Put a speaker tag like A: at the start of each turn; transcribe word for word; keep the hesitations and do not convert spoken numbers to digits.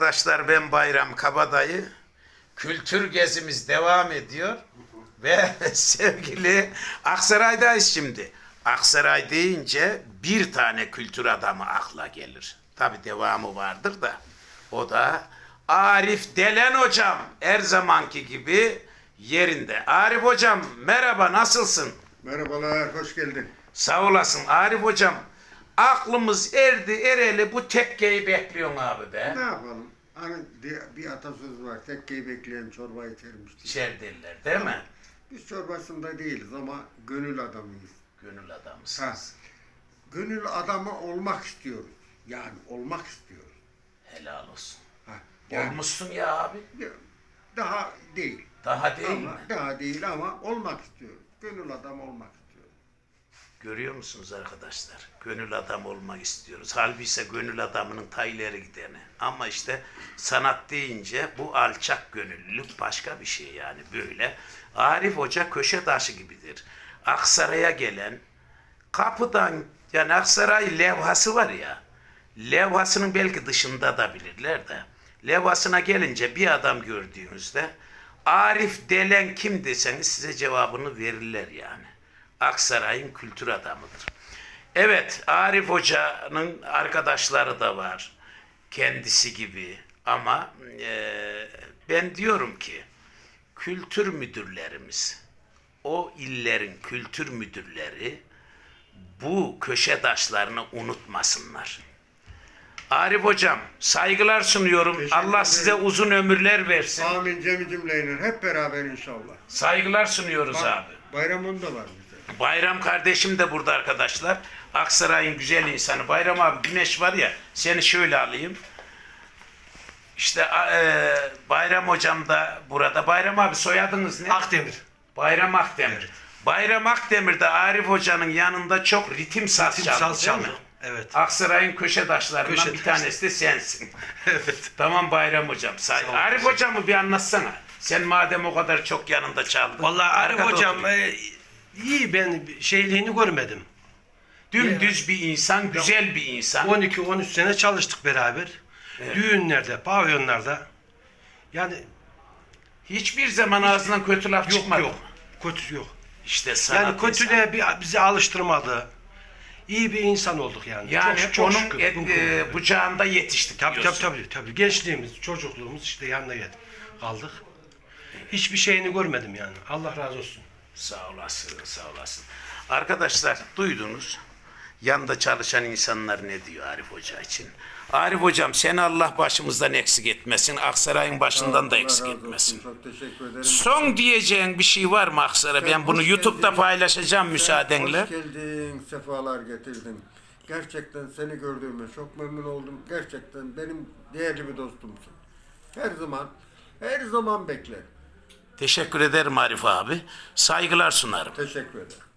A: Arkadaşlar ben Bayram Kabadayı. Kültür gezimiz devam ediyor. Ve sevgili Aksaray'dayız şimdi. Aksaray deyince bir tane kültür adamı akla gelir. Tabi devamı vardır da. O da Arif Delen hocam. Her zamanki gibi yerinde. Arif hocam merhaba, nasılsın?
B: Merhabalar, hoş geldin.
A: Sağ olasın Arif hocam. Aklımız erdi ereli bu tekkeyi bekliyorsun abi be.
B: Ne yapalım? Hani bir atasöz var, tekkeyi bekleyen çorba içermiş diye.
A: İçer derler değil mi?
B: Biz çorbasında değiliz ama gönül adamıyız.
A: Gönül
B: Ha,
A: adamısınız.
B: gönül adamı olmak istiyoruz. Yani olmak istiyoruz.
A: Helal olsun.
B: Ha, yani
A: Olmuşsun ya abi.
B: daha değil.
A: Daha değil
B: ama,
A: mi?
B: Daha değil ama olmak istiyoruz. Gönül adamı olmak istiyoruz.
A: Görüyor musunuz arkadaşlar? Gönül adam olmak istiyoruz. Halbuki ise gönül adamının ta ileri gideni. Ama işte sanat deyince bu alçak gönüllülük başka bir şey yani böyle. Arif Hoca köşe taşı gibidir. Aksaray'a gelen kapıdan, yani Aksaray levhası var ya, levhasının belki dışında da bilirler de, levhasına gelince bir adam gördüğünüzde Arif Delen kim deseniz size cevabını verirler yani. Aksaray'ın kültür adamıdır. Evet, Arif Hoca'nın arkadaşları da var. Kendisi gibi. Ama e, ben diyorum ki kültür müdürlerimiz, o illerin kültür müdürleri bu köşe taşlarını unutmasınlar. Arif Hocam saygılar sunuyorum.
B: Teşekkür
A: Allah
B: ederim.
A: size uzun ömürler versin.
B: Amin cemi cümleyle hep beraber inşallah.
A: Saygılar sunuyoruz
B: Bak,
A: abi.
B: Bayramın da var bize.
A: Bayram kardeşim de burada arkadaşlar. Aksaray'ın güzel insanı. Bayram abi, güneş var ya, seni şöyle alayım. İşte e, Bayram hocam da burada. Bayram abi soyadınız ne?
C: Akdemir.
A: Bayram Akdemir.
C: Evet.
A: Bayram Akdemir de Arif hocanın yanında çok ritim saz
C: Ritim
A: çaldı
C: saz
A: değil mi?
C: çaldı, evet.
A: Aksaray'ın köşe taşlarından
C: Köşe
A: bir
C: taşı.
A: tanesi de sensin.
C: Evet.
A: Tamam Bayram hocam. Say
C: Sağ ol,
A: Arif
C: teşekkür
A: hocamı bir anlatsana. Sen madem o kadar çok yanında çaldın.
C: Vallahi Arif
A: Arkada
C: hocam
A: oturuyor.
C: e, iyi, ben şeyliğini görmedim.
A: Dümdüz bir insan, güzel bir insan.
C: on iki on üç sene çalıştık beraber.
A: Evet.
C: Düğünlerde, pavyonlarda. Yani
A: Hiçbir zaman ağzından kötü laf
C: yok
A: çıkmadı.
C: yok. Kötü yok.
A: İşte sanat
C: Yani
A: insanı.
C: kötülüğe bir, bizi alıştırmadı. İyi bir insan olduk yani.
A: Yani
C: çok, çok
A: onun
C: şükür.
A: et,
C: Bu
A: e,
C: konuda.
A: bucağında yetiştik
C: Tabii tabii
A: diyorsun.
C: tabii tabii. Gençliğimiz, çocukluğumuz işte yanına geldik. Kaldık. Hiçbir şeyini görmedim yani. Allah razı olsun.
A: Sağ olasın, sağ olasın. Arkadaşlar duydunuz. Yanında çalışan insanlar ne diyor Arif Hoca için? Arif Hocam seni Allah başımızdan eksik etmesin. Aksaray'ın başından da
B: Allah
A: eksik
B: razı olsun,
A: etmesin.
B: çok teşekkür ederim.
A: Son diyeceğin bir şey var mı Aksaray? Ben bunu
B: Hoş
A: YouTube'da
B: geldin.
A: paylaşacağım müsaadenle.
B: Hoş geldin, sefalar getirdin. Gerçekten seni gördüğüme çok memnun oldum. Gerçekten benim değerli bir dostumsun. Her zaman, her zaman beklerim.
A: Teşekkür ederim Arif abi. Saygılar sunarım.
B: Teşekkür ederim.